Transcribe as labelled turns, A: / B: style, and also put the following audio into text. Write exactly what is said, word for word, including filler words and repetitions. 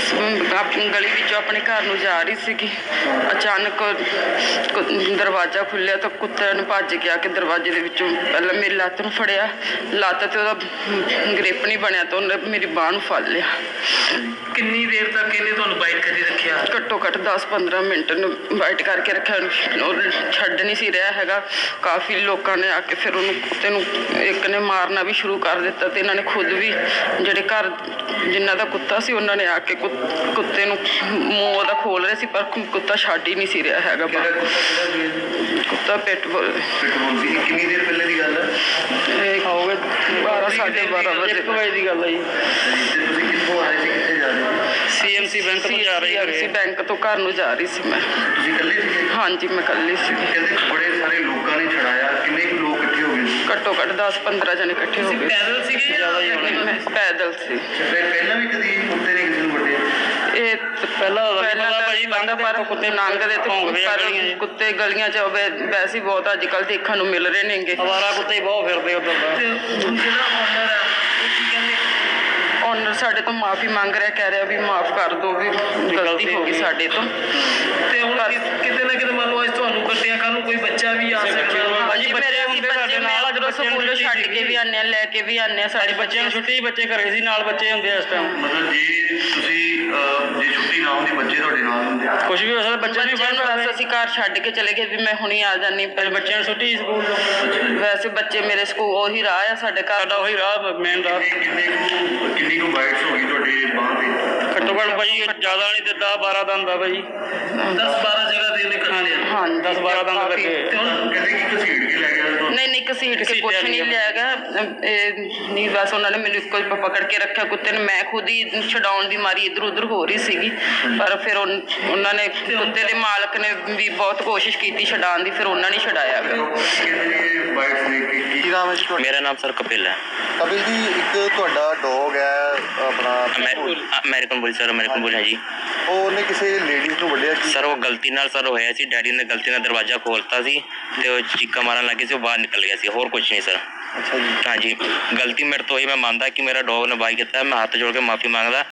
A: बस अपनी गली विचों अपने घर नूं जा रही सीगी, अचानक दरवाज़ा खुलिया तो कुत्ते ने भज के आके दरवाजे दे विचों पहले मेरी लत्त नूं फड़िया, लत्त ते ओहदा ग्रिप नहीं बनया तो उन्हें मेरी बांह नूं फड़ लिया।
B: कितनी देर तक इन्हें तुहानूं बाइट करी रखिया?
A: घट्टो घट्ट दस पंद्रह मिनट बाइट करके रखा, छड्ड नहीं सी रहा हैगा। काफ़ी लोगों ने आके फिर उन्होंने कुत्ते नूं एक ने मारना भी शुरू कर दिता, तो इन्होंने खुद भी जिहड़े घर जिन्हां दा कुत्ता सी उन्होंने आके कुत्ते नूं मूँह ओहदा खोल रहे सी, पर कुत्ता छड्ड ही नहीं सी रहा हैगा। कुत्ता पिटबुल।
B: कितनी देर पहले की गल है?
A: हो गए बारह साढ़े बारह बजे
B: एक बजे की गल है जी। कित्थों आ रहे थे, कित्थे जा रहे थे? सीएमसी बैंक तो जा रही है।
A: सीएमसी बैंक तो घर नूं जा रही सी मैं।
B: तुसीं इकल्ले सीगे?
A: हाँ जी मैं इकल्ली सी।
B: कहते बड़े सारे लोगों ने छड़ाया, कितने कुछ लोग इकट्ठे हो गए?
A: घट्टो घट्ट दस पंद्रह जने इकट्ठे हो गए।
B: पैदल सीगे ज़्यादा ही होने?
A: मैं पैदल सी।
B: पहला भी कभी कुत्ते ने किसी को वड्डे?
A: ਇਹ ਪਹਿਲਾਂ ਪਹਿਲਾਂ ਤਾਂ ਭਾਜੀ ਲੰਘਦਾ ਪਰ ਕੁੱਤੇ ਲੰਘਦੇ ਤੇ ਪਰ ਕੁੱਤੇ ਗਲੀਆਂ 'ਚ ਵੈਸੇ ਬਹੁਤ ਅੱਜ ਕੱਲ੍ਹ ਦੇਖਣ ਨੂੰ ਮਿਲ ਰਹੇ ਨੇਗੇ।
B: ਅਵਾਰਾ ਕੁੱਤੇ ਬਹੁਤ ਫਿਰਦੇ ਉੱਧਰ ਦਾ। ਜਿਹੜਾ ਓਨਰ ਹੈ ਉਹ ਕੀ ਕਹਿੰਦੇ?
A: ਓਨਰ ਸਾਡੇ ਤੋਂ ਮਾਫੀ ਮੰਗ ਰਿਹਾ, ਕਹਿ ਰਿਹਾ ਵੀ ਮਾਫ ਕਰ ਦਿਓ, ਵੀ ਗਲਤੀ ਹੋ ਗਈ ਸਾਡੇ ਤੋਂ।
B: ਤੇ ਹੁਣ ਕਿਤੇ ਨਾ ਕਿਤੇ ਮੰਨ ਲਓ ਅੱਜ ਤੁਹਾਨੂੰ ਕੱਟਿਆ, ਕੱਲ੍ਹ ਨੂੰ ਕੋਈ ਬੱਚਾ ਵੀ ਆ ਸਕਦਾ।
A: ਹਾਂਜੀ ਮੇਰੇ ਅਸੀਂ ਬੱਚੇ ਨਾਲ ਜਦੋਂ ਸਕੂਲੋਂ ਛੱਡ ਕੇ ਵੀ ਆਉਂਦੇ ਹਾਂ, ਲੈ ਕੇ ਵੀ ਆਉਂਦੇ ਹਾਂ। ਸਾਡੇ
B: ਬੱਚਿਆਂ ਨੂੰ ਛੁੱਟੀ, ਬੱਚੇ ਘਰੇ ਸੀ, ਨਾਲ ਬੱਚੇ ਹੁੰਦੇ ਆ ਇਸ ਟਾਈਮ। ਮਤਲਬ ਜੇ ਤੁਸੀਂ ਜੇ ਛੁੱਟੀ ਨਾ ਹੁੰਦੀ ਬੱਚੇ ਤੁਹਾਡੇ ਨਾਲ ਹੁੰਦੇ? ਕੁਛ ਵੀ ਹੋ ਸਕਦਾ, ਬੱਚੇ ਨਹੀਂ
A: ਬੱਚਿਆਂ ਨੂੰ ਅਸੀਂ ਘਰ ਛੱਡ ਕੇ ਚਲੇ ਗਏ ਵੀ ਮੈਂ ਹੁਣੀ ਆ ਜਾਂਦੀ, ਪਰ ਬੱਚਿਆਂ ਨੂੰ ਛੁੱਟੀ ਸਕੂਲ ਤੋਂ। ਵੈਸੇ ਬੱਚੇ ਮੇਰੇ ਸਕੂਲ ਉਹੀ ਰਾਹ ਆ ਸਾਡੇ ਘਰ ਦਾ, ਉਹੀ ਰਾਹ ਮੇਨ ਰਾਹ।
B: ਕਿੰਨੇ ਕੁ ਕਿੰਨੀ ਕੁ ਬਾਈਟਸ ਹੋ ਗਈ ਤੁਹਾਡੇ ਬਾਂਹ ਤੇ?
A: ਘੱਟੋ ਘੱਟ ਭਾਜੀ ਜ਼ਿਆਦਾ ਨਹੀਂ ਤੇ ਦਸ ਬਾਰਾਂ ਦੰਦ ਆ ਭਾਜੀ।
B: ਦਸ ਬਾਰਾਂ ਜਗ੍ਹਾ ਤੇ ਇਹਨੇ ਕੱਟ ਲਿਆ?
A: ਹਾਂ
B: ਦਸ ਬਾਰਾਂ ਦੰਦ ਕੱਟੇ। ਤੇ ਹੁਣ ਕਹਿੰਦੇ ਕਿ ਘਸੀਟ ਕੇ ਲੈ ਗਿਆ ਤੁਹਾਨੂੰ?
A: ਨਹੀਂ ਨਹੀਂ ਘਸੀਟ ਕੇ ਕੁਛ ਨਹੀਂ ਲਿਆ ਗਿਆ, ਨਹੀਂ ਬਸ ਉਹਨਾਂ ਨੇ ਮੈਨੂੰ ਇੱਕੋ ਹੀ ਪਕੜ ਕੇ ਰੱਖਿਆ ਕੁੱਤੇ ਨੇ। ਮੈਂ ਖੁਦ ਹੀ ਛਡਾਉਣ ਦੀ ਮਾਰੀ ਇੱਧਰ ਉੱਧਰ ਹੋ ਰਹੀ ਸੀਗੀ, ਪਰ ਫਿਰ ਉਹਨਾਂ ਨੇ ਕੁੱਤੇ ਦੇ ਮਾਲਕ ਨੇ ਵੀ ਬਹੁਤ ਕੋਸ਼ਿਸ਼ ਕੀਤੀ ਛਡਾਉਣ ਦੀ, ਫਿਰ ਉਹਨਾਂ ਨੇ ਛਡਾਇਆ।
C: ਮੇਰਾ ਨਾਮ ਸਰ ਕਪਿਲ ਹੈ।
D: ਕਪਿਲ ਜੀ, ਇੱਕ ਤੁਹਾਡਾ ਡੌਗ ਹੈ ਆਪਣਾ
C: American bull sir, American bull ਹੈ ਜੀ।
D: ਉਹ ਉਹਨੇ ਕਿਸੇ ਲੇਡੀਜ਼ ਨੂੰ ਵੱਢਿਆ ਸੀ
C: ਸਰ। ਉਹ ਗਲਤੀ ਨਾਲ ਸਰ ਹੋਇਆ ਸੀ, ਡੈਡੀ ਨੇ ਗਲਤੀ ਨਾਲ ਦਰਵਾਜ਼ਾ ਖੋਲ੍ਹਤਾ ਸੀ ਤੇ ਉਹ ਚੀਕਾਂ ਮਾਰਨ ਲੱਗੇ ਸੀ, ਉਹ ਬਾਹਰ ਨਿਕਲ ਗਿਆ ਸੀ, ਹੋਰ ਕੁਝ ਨਹੀਂ ਸਰ।
D: ਅੱਛਾ ਜੀ।
C: ਹਾਂਜੀ ਗਲਤੀ ਮੇਰੇ ਤੋਂ ਹੋਈ, ਮੈਂ ਮੰਨਦਾ ਕਿ ਮੇਰਾ ਡੌਗ ਨੇ ਬਾਈ ਕੀਤਾ, ਮੈਂ ਹੱਥ ਜੋੜ ਕੇ ਮਾਫੀ ਮੰਗਦਾ।